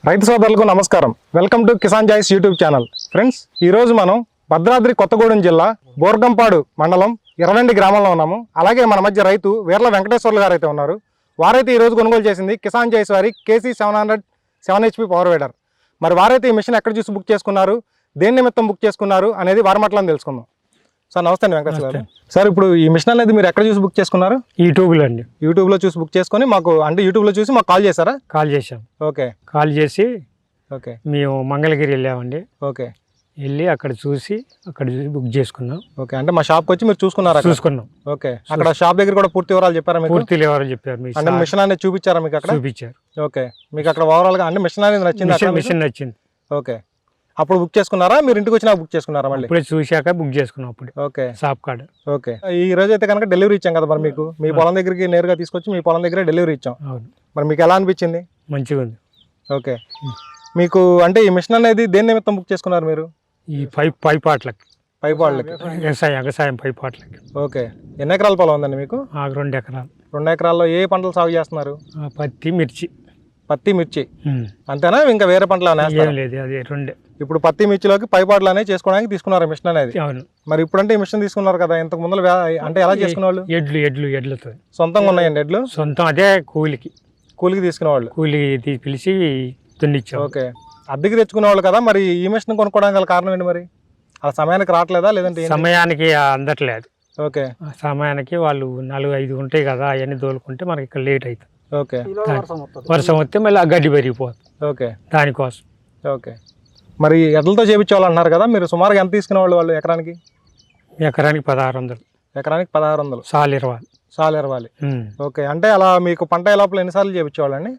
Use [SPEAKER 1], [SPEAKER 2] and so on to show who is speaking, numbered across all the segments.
[SPEAKER 1] రైతు సోదరులకు నమస్కారం. వెల్కమ్ టు కిసాన్ జాయిస్ యూట్యూబ్ ఛానల్. ఫ్రెండ్స్, ఈరోజు మనం భద్రాద్రి కొత్తగూడెం జిల్లా బోర్గంపాడు మండలం ఇరవెండి గ్రామంలో ఉన్నాము. అలాగే మన మధ్య రైతు వీర్ల వెంకటేశ్వర్లు గారు అయితే ఉన్నారు. వారైతే ఈరోజు కొనుగోలు చేసింది కిసాన్ జాయిస్ వారి KC 700 7HP పవర్ వీడర్. మరి వారైతే ఈ మిషన్ ఎక్కడ చూసి బుక్ చేసుకున్నారు, దేని నిమిత్తం బుక్ చేసుకున్నారు అనేది వారి మాటలను తెలుసుకుందాం. సార్ నమస్తే అండి వెంకటేశ్వర గారు. సార్, ఇప్పుడు ఈ మిషన్ అనేది మీరు ఎక్కడ చూసి బుక్ చేసుకున్నారు?
[SPEAKER 2] యూట్యూబ్లో అండి.
[SPEAKER 1] యూట్యూబ్లో చూసి బుక్ చేసుకొని మాకు అంటే యూట్యూబ్లో చూసి మాకు కాల్ చేశారా?
[SPEAKER 2] కాల్ చేసాం.
[SPEAKER 1] ఓకే.
[SPEAKER 2] కాల్ చేసి
[SPEAKER 1] ఓకే
[SPEAKER 2] మేము మంగళగిరి వెళ్ళామండి.
[SPEAKER 1] ఓకే.
[SPEAKER 2] వెళ్ళి అక్కడ చూసి బుక్ చేసుకున్నాం.
[SPEAKER 1] ఓకే, అంటే మా షాప్కి వచ్చి మీరు చూసుకున్నారా?
[SPEAKER 2] చూసుకున్నాం.
[SPEAKER 1] ఓకే, అక్కడ షాప్ దగ్గర కూడా పూర్తి వివరాలు చెప్పారా మీకు?
[SPEAKER 2] పూర్తి వివరాలు చెప్పారు.
[SPEAKER 1] అంటే మిషన్ అనేది చూపించారా మీకు అక్కడ?
[SPEAKER 2] చూపించారు.
[SPEAKER 1] ఓకే, మీకు అక్కడ ఓవరాల్ గా అంటే మిషన్ అనేది నచ్చింది?
[SPEAKER 2] మిషన్ నచ్చింది.
[SPEAKER 1] ఓకే, అప్పుడు బుక్ చేసుకున్నారా? మీరు ఇంటికి వచ్చినా బుక్ చేసుకున్నారా? మళ్ళీ
[SPEAKER 2] ఇప్పుడే చూశాక బుక్ చేసుకున్నాం అప్పుడు.
[SPEAKER 1] Okay,
[SPEAKER 2] shop card.
[SPEAKER 1] ఓకే. ఈ రోజు అయితే కనుక డెలివరీ ఇచ్చాం కదా మరి మీకు, మీ పొలం దగ్గరికి నేరుగా తీసుకొచ్చి మీ పొలం దగ్గర డెలివరీ ఇచ్చాం.
[SPEAKER 2] అవును.
[SPEAKER 1] మరి మీకు ఎలా అనిపించింది?
[SPEAKER 2] మంచిగా ఉంది.
[SPEAKER 1] ఓకే, మీకు అంటే ఈ మిషన్ అనేది దేని నిమిత్తం బుక్ చేసుకున్నారు మీరు?
[SPEAKER 2] ఈ పైపాట్లకి,
[SPEAKER 1] పైపాట్లకి,
[SPEAKER 2] వ్యవసాయం పైపాట్లకి.
[SPEAKER 1] ఓకే, ఎన్ని ఎకరాల పొలం ఉందండి మీకు?
[SPEAKER 2] 2 ఎకరాలు.
[SPEAKER 1] 2 ఎకరాల్లో ఏ పంటలు సాగు చేస్తున్నారు?
[SPEAKER 2] పత్తి, మిర్చి.
[SPEAKER 1] పత్తి, మిర్చి అంతేనా? ఇంకా వేరే పంటలు
[SPEAKER 2] ఏం లేదు, అది 2.
[SPEAKER 1] ఇప్పుడు పత్తి మిర్చిలోకి పైపాట్లు అనేది చేసుకోవడానికి తీసుకున్నారు మిషన్ అనేది.
[SPEAKER 2] అవును.
[SPEAKER 1] మరి ఇప్పుడంటే ఈ మిషన్ తీసుకున్నారు కదా, ఇంతకు ముందు అంటే ఎలా చేసుకునేవాళ్ళు?
[SPEAKER 2] ఎడ్లతో
[SPEAKER 1] సొంతంగా ఉన్నాయండి ఎడ్లు?
[SPEAKER 2] సొంతం, అదే కూలికి
[SPEAKER 1] తీసుకునేవాళ్ళు.
[SPEAKER 2] కూలికి పిలిచి దున్నిచ్చాం.
[SPEAKER 1] ఓకే, అద్దెకి తెచ్చుకునేవాళ్ళు కదా. మరి ఈ మిషన్ కొనుక్కోవడానికి గల కారణం ఏంటి? మరి అలా సమయానికి రావట్లేదా లేదంటే?
[SPEAKER 2] సమయానికి అందట్లేదు.
[SPEAKER 1] ఓకే,
[SPEAKER 2] సమయానికి వాళ్ళు 4-5 ఉంటాయి కదా, అవన్నీ తోలుకుంటే మనకి ఇక్కడ లేట్ అవుతుంది.
[SPEAKER 1] ఓకే,
[SPEAKER 2] వర్షం వస్తే మళ్ళీ ఆ గడ్డి పెరిగిపోతుంది.
[SPEAKER 1] ఓకే,
[SPEAKER 2] దానికోసం.
[SPEAKER 1] ఓకే. మరి ఎడ్లతో చేయించేవాళ్ళు అన్నారు కదా, మీరు సుమారుగా ఎంత తీసుకునేవాళ్ళు వాళ్ళు ఎకరానికి?
[SPEAKER 2] ఎకరానికి 1600.
[SPEAKER 1] ఎకరానికి 1600. సాలు ఇరవాలి. ఓకే, అంటే అలా మీకు పంట లోపల ఎన్నిసార్లు చేయించేవాళ్ళండి?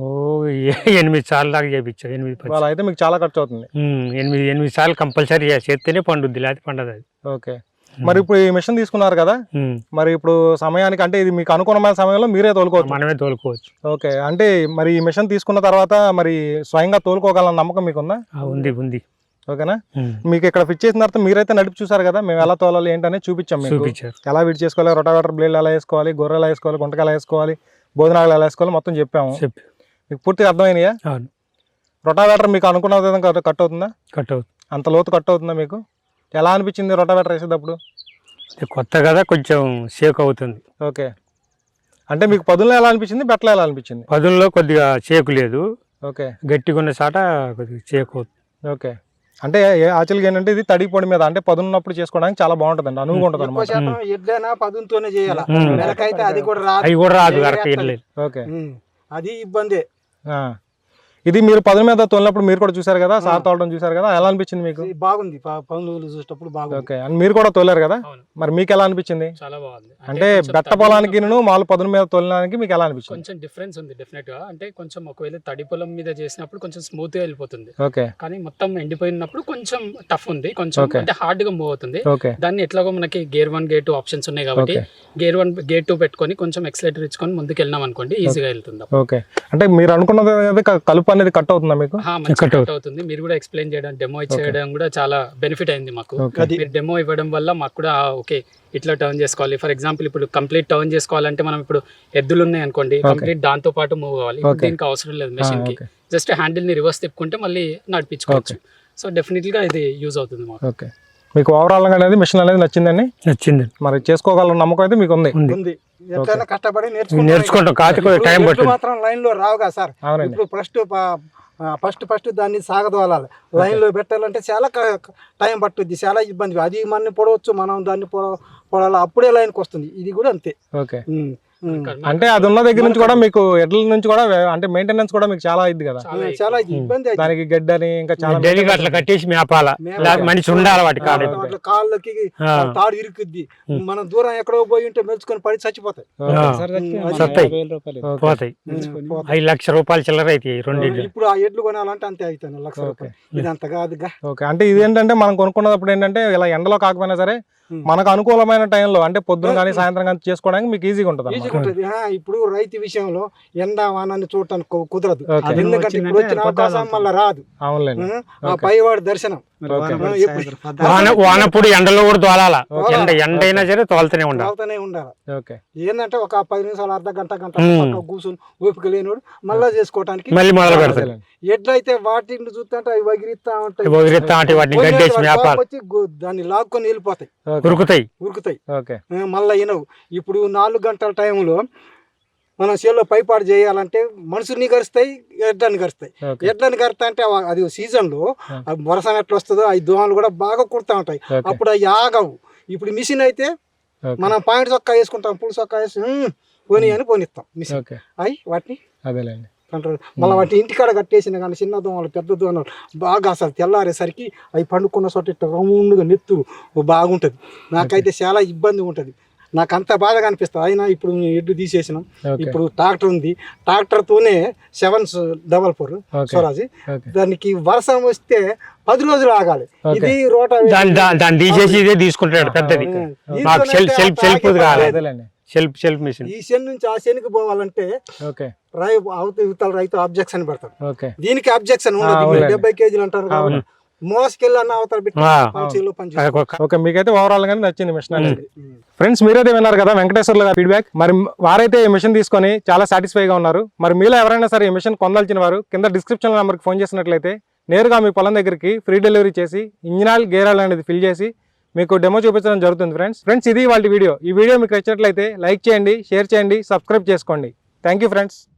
[SPEAKER 2] 8 సార్లు దాకా చేయించాం. 8-10
[SPEAKER 1] అయితే మీకు చాలా ఖర్చు అవుతుంది.
[SPEAKER 2] 8 సార్లు కంపల్సరీ చేస్తేనే పండుద్ది, లేకపోతే పండదు అది.
[SPEAKER 1] ఓకే, మరి ఇప్పుడు ఈ మిషన్ తీసుకున్నారు కదా, మరి ఇప్పుడు సమయానికి అంటే ఇది మీకు అనుకూలమైన సమయంలో మీరే తోలుకోవచ్చు?
[SPEAKER 2] మనమే తోలుకోవచ్చు.
[SPEAKER 1] ఓకే, అంటే మరి ఈ మిషన్ తీసుకున్న తర్వాత మరి స్వయంగా తోలుకోగల నమ్మకం మీకుందా?
[SPEAKER 2] ఉంది.
[SPEAKER 1] ఓకేనా? మీకు ఇక్కడ ఫిట్ చేసిన తర్వాత మీరైతే నడిపి చూసారు కదా, మేము ఎలా తోలాలి ఏంటనే చూపించాం మీకు. ఎలా విడి చేసుకోవాలి, రొటావేటర్ బ్లేడ్ ఎలా వేసుకోవాలి, గొర్రె ఎలా వేసుకోవాలి, గుంటక ఎలా వేసుకోవాలి, బోధనాలు ఎలా వేసుకోవాలి మొత్తం చెప్పాము. మీకు పూర్తిగా అర్థమైనయా? రొటావేటర్ మీకు అనుకున్న విధంగా కట్ అవుతుందా? కట్ అవుతుంది. అంత లోతు కట్ అవుతుందా మీకు? ఎలా అనిపించింది రొటావేటర్ వేసేటప్పుడు?
[SPEAKER 2] కొత్త కదా, కొంచెం షేక్ అవుతుంది.
[SPEAKER 1] ఓకే, అంటే మీకు పదుల్లో ఎలా అనిపించింది, బెట్టలో ఎలా అనిపించింది?
[SPEAKER 2] పదుల్లో కొద్దిగా షేకు లేదు.
[SPEAKER 1] ఓకే,
[SPEAKER 2] గట్టిగా ఉన్న చాట కొద్దిగా షేక్ అవుతుంది.
[SPEAKER 1] ఓకే, అంటే యాక్చువల్గా ఏంటంటే ఇది తడి పొడి మీద అంటే పదున్నప్పుడు చేసుకోవడానికి చాలా బాగుంటుంది అండి, అనువుగా ఉంటుంది అనమాట.
[SPEAKER 2] అవి కూడా రాదు.
[SPEAKER 1] ఓకే,
[SPEAKER 3] అది ఇబ్బంది.
[SPEAKER 1] ఇది మీరు పదుల మీద తోలినప్పుడు మీరు కూడా చూసారు కదా, సార్ తోలడం చూసారు కదా, ఎలా అనిపించింది మీకు?
[SPEAKER 3] బాగుంది, పనులు చూసేటప్పుడు బాగుంది.
[SPEAKER 1] ఓకే, అండ్ మీరు కూడా తోలారు కదా, మరి మీకు ఎలా అనిపించింది?
[SPEAKER 2] చాలా బాగుంది.
[SPEAKER 1] అంటే బెట్ట పొలానికి మాలు పదుల మీద తోలడానికి మీకు ఎలా అనిపించింది?
[SPEAKER 4] కొంచెం డిఫరెన్స్ ఉంది డెఫినెట్ గా. అంటే కొంచెం ఒకవేళ తడి పొలం మీద చేసినప్పుడు కొంచెం స్మూత్ గా వెళ్ళిపోతుంది.
[SPEAKER 1] ఓకే,
[SPEAKER 4] కానీ మొత్తం ఎండిపోయినప్పుడు కొంచెం టఫ్ ఉంది, కొంచెం అంటే హార్డ్ గా మూవ్ అవుతుంది.
[SPEAKER 1] ఓకే,
[SPEAKER 4] దాన్ని ఎట్లాగో మనకి గేర్ 1 గేర్ 2 ఆప్షన్స్ ఉన్నాయి కాబట్టి గేర్ 1 గేర్ 2 పెట్టుకొని కొంచెం ఎక్సలేటర్ ఇచ్చుకొని ముందుకు వెళ్ళినాం అనుకోండి, ఈజీగా వెళ్తుంది. ఓకే,
[SPEAKER 1] అంటే మీరు అనుకున్నది కలుపు అనేది కట్ అవుతుందా మీకు?
[SPEAKER 4] కట్ అవుతుంది. మీరు కూడా ఎక్స్ప్లెయిన్ చేయడం, డెమో ఇచ్చేయడం కూడా చాలా బెనిఫిట్ అయింది మాకు. మీరు డెమో ఇవ్వడం వల్ల మాకు కూడా ఓకే ఇట్లా టర్న్ చేసుకోవాలి. ఫర్ ఎగ్జాంపుల్ ఇప్పుడు కంప్లీట్ టర్న్ చేసుకోవాలంటే మనం ఇప్పుడు ఎద్దులు ఉన్నాయి అనుకోండి, కంప్లీట్ దాంతో పాటు మూవ్ కావాలి. దీనికి అవసరం లేదు మెషిన్ కి, జస్ట్ హ్యాండిల్ ని రివర్స్ తిప్పుకుంటే మళ్ళీ నడిపించుకోవచ్చు. సో డెఫినెట్లీ గా ఇది యూజ్ అవుతుంది మాకు.
[SPEAKER 1] ఓకే, మీకు ఓవరాల్ గా అనేది మిషన్ అనేది నచ్చిందండి? మరి చేసుకోగల నమ్మకం అయితే మీకు ఉంది?
[SPEAKER 3] ఎట్లైనా కష్టపడి
[SPEAKER 2] నేర్చుకుంటాం. టైం
[SPEAKER 3] మాత్రం లైన్ లో రావుగా సార్. ఇప్పుడు ఫస్ట్ దాన్ని సాగదోలాలి, లైన్ లో పెట్టాలంటే చాలా టైం పట్టుద్ది, చాలా ఇబ్బంది. అది మన పొడవచ్చు, మనం దాన్ని పొడాలి, అప్పుడే లైన్కి వస్తుంది. ఇది కూడా అంతే.
[SPEAKER 1] ఓకే, అంటే అది ఉన్న దగ్గర నుంచి కూడా మీకు ఎడ్ల నుంచి కూడా అంటే మెయింటెనెన్స్ కూడా మీకు చాలా ఇది కదా,
[SPEAKER 3] చాలా ఇబ్బంది.
[SPEAKER 1] దానికి గడ్డని ఇంకా చాలా
[SPEAKER 2] అట్లా కట్టేసి మేపాల, మనిషి ఉండాలి వాటి
[SPEAKER 3] కాళ్ళకి తాడు ఇరుకుద్ది. మనం దూరం ఎక్కడో పోయి ఉంటే మెలుచుకొని పడి చచ్చిపోతాయి.
[SPEAKER 2] 5 లక్షల రూపాయలు చిల్లర అయితే 2.
[SPEAKER 3] ఇప్పుడు ఆ ఎడ్లు కొనాలంటే అంతే అవుతాయి, 1 లక్ష రూపాయలు. ఇది అంత కాదుగా.
[SPEAKER 1] ఓకే, అంటే ఇది ఏంటంటే మనం కొనుక్కున్నప్పుడు ఏంటంటే ఇలా ఎండలో కాకపోయినా సరే మనకు అనుకూలమైన టైంలో అంటే పొద్దున కానీ సాయంత్రం కానీ చేసుకోవడానికి మీకు ఈజీగా ఉంటుంది.
[SPEAKER 3] మంచిగా ఉంటుంది. ఇప్పుడు రైతు విషయంలో ఎండ వానాన్ని చూడటానికి కుదరదు,
[SPEAKER 1] ఓకే.
[SPEAKER 3] ఎందుకంటే ఇప్పుడు వచ్చిన అవకాశం మళ్ళీ రాదు.
[SPEAKER 1] అవునులేండి.
[SPEAKER 3] ఆ పైవాడి దర్శనం
[SPEAKER 2] వానప్పుడు ఎండలో కూడా తోలాల, ఎండ అయినా సరే తోలుతూనే ఉండాలి.
[SPEAKER 3] తోలుతూనే ఉండాలి.
[SPEAKER 1] ఓకే.
[SPEAKER 3] ఏంటంటే ఒక 10 నిమిషాలు అర్ధ గంట కూర్చొని ఓపిక లేనివాడు మళ్ళా చేసుకోవటానికి
[SPEAKER 2] మళ్ళీ మొదలు పెడతారు.
[SPEAKER 3] ఎడ్లయితే వాటిని చూస్తుంటే అవి వగిరిస్తా ఉంటాయి,
[SPEAKER 2] వాటిని గడ్డేసి మేపాలి,
[SPEAKER 3] వచ్చి దాన్ని లాక్కొని వెళ్ళిపోతాయి,
[SPEAKER 2] ఉరుకుతాయి.
[SPEAKER 1] ఓకే.
[SPEAKER 3] మళ్ళా వినవు. ఇప్పుడు 4 గంటల టైంలో మనం చేలో పైపాడు చేయాలంటే మనుషుల్ని గరుస్తాయి, ఎడ్లని గరుస్తాయి. ఎడ్లని గరుతా అంటే అది సీజన్లో వర్షం ఎట్లా వస్తుందో అవి దోమలు కూడా బాగా కుడతా ఉంటాయి, అప్పుడు అవి ఆగవు. ఇప్పుడు మిషన్ అయితే మనం పాయింట్ చొక్కా వేసుకుంటాం, పుల్ చొక్కా వేసి పోనీ అని పోనిస్తాం మిషన్, అవి వాటిని
[SPEAKER 1] అదేలేండి
[SPEAKER 3] కంట్రోల్. మళ్ళీ వాటిని ఇంటికాడ కట్టేసిన కానీ చిన్న దోమలు పెద్ద దోమలు బాగా అసలు తెల్లారేసరికి అవి పండుకున్న చోట ఇట్లా రౌండ్గా నెత్తురు బాగుంటుంది. నాకైతే చాలా ఇబ్బంది ఉంటుంది, నాకు అంత బాధగా అనిపిస్తుంది. అయినా ఇప్పుడు ఎడ్డు తీసేసినాం, ఇప్పుడు ట్రాక్టర్ ఉంది, ట్రాక్టర్తోనే 744 స్వరాజ్. దానికి వర్షం వస్తే 10 రోజులు ఆగాలి. ఇది రోట
[SPEAKER 2] దాన్ని తీసేసి ఇదే తీసుకుంటాడు పెద్దది, సెల్ఫ్ మిషన్.
[SPEAKER 3] ఈ శని నుంచి ఆ శనికి పోవాలంటే అవతల రైతు అబ్జెక్షన్ పెడతాడు, దీనికి అబ్జెక్షన్ ఉండదు. 70 కేజీలు అంటారు కాబట్టి మోసుకెళ్ళి అన్న అవతల పెట్టి.
[SPEAKER 1] ఓకే, మీకైతే ఓవరాల్ గానే నచ్చింది మిషన్ అనేది. ఫ్రెండ్స్, మీరైతే విన్నారు కదా వెంకటేశ్వర్లు గారి ఫీడ్బ్యాక్. మరి వారైతే ఈ మిషన్ తీసుకొని చాలా సాటిస్ఫైగా ఉన్నారు. మరి మీలో ఎవరైనా సరే ఈ మిషన్ పొందాల్సిన వారు కింద డిస్క్రిప్షన్ నెంబర్కి ఫోన్ చేసినట్లయితే నేరుగా మీ పొలం దగ్గరికి ఫ్రీ డెలివరీ చేసి ఇంజిన్ ఆయిల్, గేర్ ఆయిల్ అనేది ఫిల్ చేసి మీకు డెమో చూపించడం జరుగుతుంది. ఫ్రెండ్స్ ఇది వాళ్ళ వీడియో. ఈ వీడియో మీకు నచ్చినట్లయితే లైక్ చేయండి, షేర్ చేయండి, సబ్స్క్రైబ్ చేసుకోండి. Thank you friends.